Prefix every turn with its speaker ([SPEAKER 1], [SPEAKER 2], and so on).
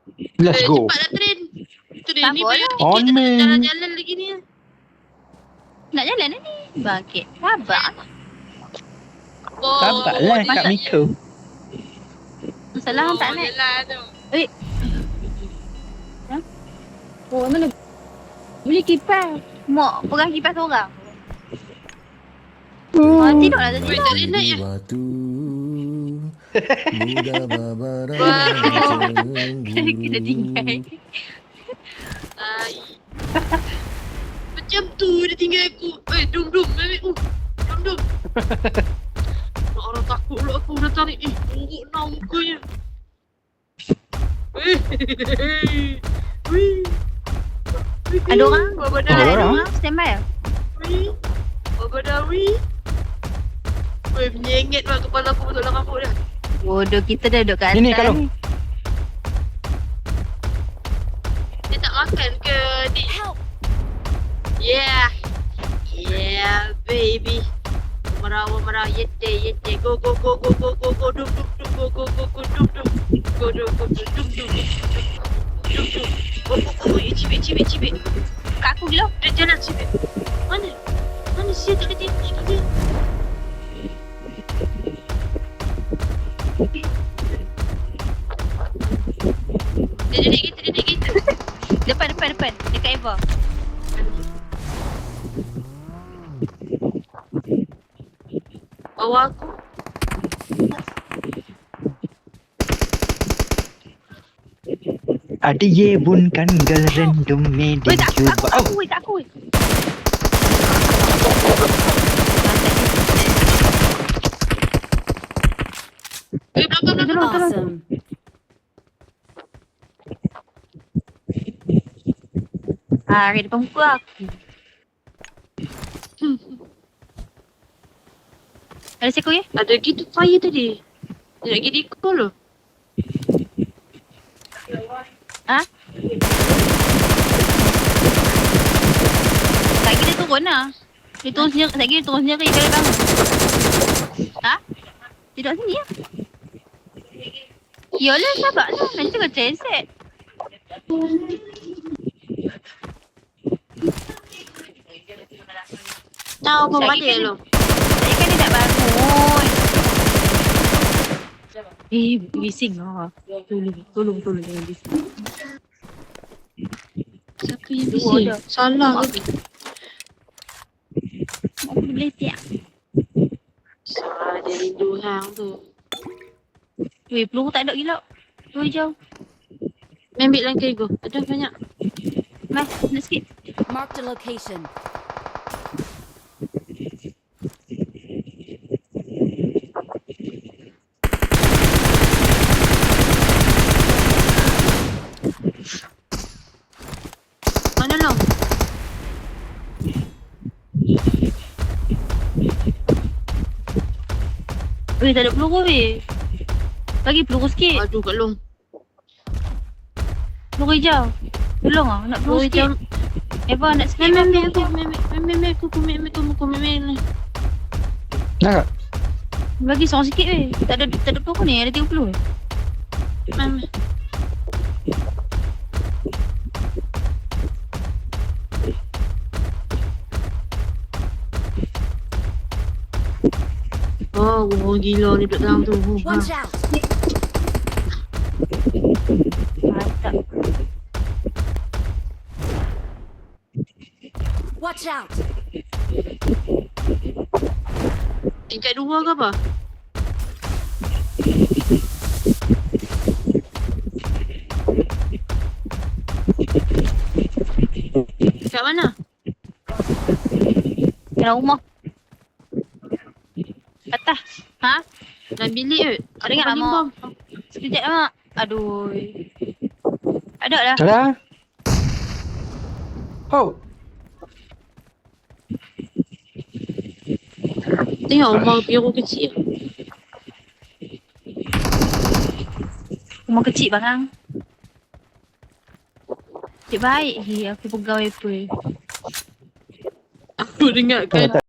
[SPEAKER 1] Let's go.
[SPEAKER 2] Cepatlah train. Train
[SPEAKER 3] Tak
[SPEAKER 2] ni
[SPEAKER 3] boleh.
[SPEAKER 2] bayar
[SPEAKER 1] On,
[SPEAKER 2] tiket
[SPEAKER 1] man.
[SPEAKER 2] jalan-jalan lagi ni.
[SPEAKER 3] Nak jalan dah ni. Bangkit. Sabar.
[SPEAKER 2] Oh,
[SPEAKER 1] Sabarlah
[SPEAKER 2] dia
[SPEAKER 1] Kak
[SPEAKER 2] tak-
[SPEAKER 1] Miko.
[SPEAKER 3] Masalah hang tak naik.
[SPEAKER 2] Jalan tu.
[SPEAKER 3] Oh, mana? Beli kipas. Mak pegang kipas orang. Tidurlah tadi.
[SPEAKER 2] Weh, tak boleh naik ya.
[SPEAKER 4] Waktu muda babara
[SPEAKER 2] Wah.
[SPEAKER 3] Kena tinggal.
[SPEAKER 2] Ai. Macam tu dia tinggal aku. Dum-dum. Dum-dum. Orang takut pula aku dah tarik. Buruk nak mukanya.
[SPEAKER 3] Ada orang?
[SPEAKER 2] Baba
[SPEAKER 1] Ada
[SPEAKER 2] dah.
[SPEAKER 1] orang?
[SPEAKER 3] Stand by lah.
[SPEAKER 2] Baba dah. Weh, menyengit lah kepala aku masuk dalam rambut dah.
[SPEAKER 3] Bodoh, kita dah duduk kat atas
[SPEAKER 1] Ini, Kalung.
[SPEAKER 3] ni.
[SPEAKER 2] Dia tak makan ke, Dik? Yeah. Yeah, baby. Marah, yete. Go, dum, go, dum, cibik.
[SPEAKER 3] Kat aku gila.
[SPEAKER 2] Dia jalan cibik. Mana siapa tak ada tengok dia? Dia naik kita.
[SPEAKER 3] Depan. Dekat Eva.
[SPEAKER 2] Bawah aku.
[SPEAKER 1] Ada ye bun kan gal random
[SPEAKER 3] Weh,
[SPEAKER 1] medin
[SPEAKER 3] kat
[SPEAKER 1] cuba.
[SPEAKER 3] aku. Kat aku.
[SPEAKER 2] Belakang.
[SPEAKER 3] Tolong. Di depan muka aku. Ada seko ya?
[SPEAKER 2] Ada gitu fire tadi. Dia nak pergi recall loh.
[SPEAKER 3] Lagi dia turun lah. Dia turun sendiri. Lagi dia turun sendiri kali bangun. Dia duduk sini lah. Yalah, sabar lah. Nanti kau ceset.
[SPEAKER 2] Tahu apa
[SPEAKER 3] Lagi
[SPEAKER 2] balik
[SPEAKER 3] kan
[SPEAKER 2] lo.
[SPEAKER 3] Tadi kan dia tak bangun. Bising lah. Tolong jangan bising.
[SPEAKER 2] Siapa yang
[SPEAKER 3] Dua
[SPEAKER 2] bising?
[SPEAKER 3] dah.
[SPEAKER 2] Salah ke?
[SPEAKER 3] Aku boleh tiap.
[SPEAKER 2] Salah dia rindu hang tu.
[SPEAKER 3] Peluru tak ada gila. Peluru hijau.
[SPEAKER 2] Ambil lah go. Ada banyak.
[SPEAKER 3] Mas, nak sikit.
[SPEAKER 5] Marked a location.
[SPEAKER 2] Mana lo?
[SPEAKER 3] Tak ada peluru weh. Bagi peluru sikit.
[SPEAKER 2] Aduh kat long.
[SPEAKER 3] Peluru hijau. Tolong lah. Nak peluru sikit. Eva nak sikit.
[SPEAKER 2] Mem aku mem.
[SPEAKER 1] Nak.
[SPEAKER 3] Bagi seorang sikit weh. Tak ada peluru ni. Ada 30 weh.
[SPEAKER 2] Mem. Oh, gila ni duduk dalam tu.
[SPEAKER 5] Watch out!
[SPEAKER 3] Mantap.
[SPEAKER 5] Watch out!
[SPEAKER 2] Tingkat 2 ke apa? Kat mana?
[SPEAKER 3] Dalam rumah. Atas.
[SPEAKER 2] Dalam bilik ke?
[SPEAKER 3] Ada ingat lah mak. Sekejap lah mak. Aduh. Ada lah.
[SPEAKER 1] Ada. Oh.
[SPEAKER 2] Tengok rumah biru kecil.
[SPEAKER 3] Rumah kecil barang. Cik baik. Aku pegawai apa.
[SPEAKER 2] Aku dengarkan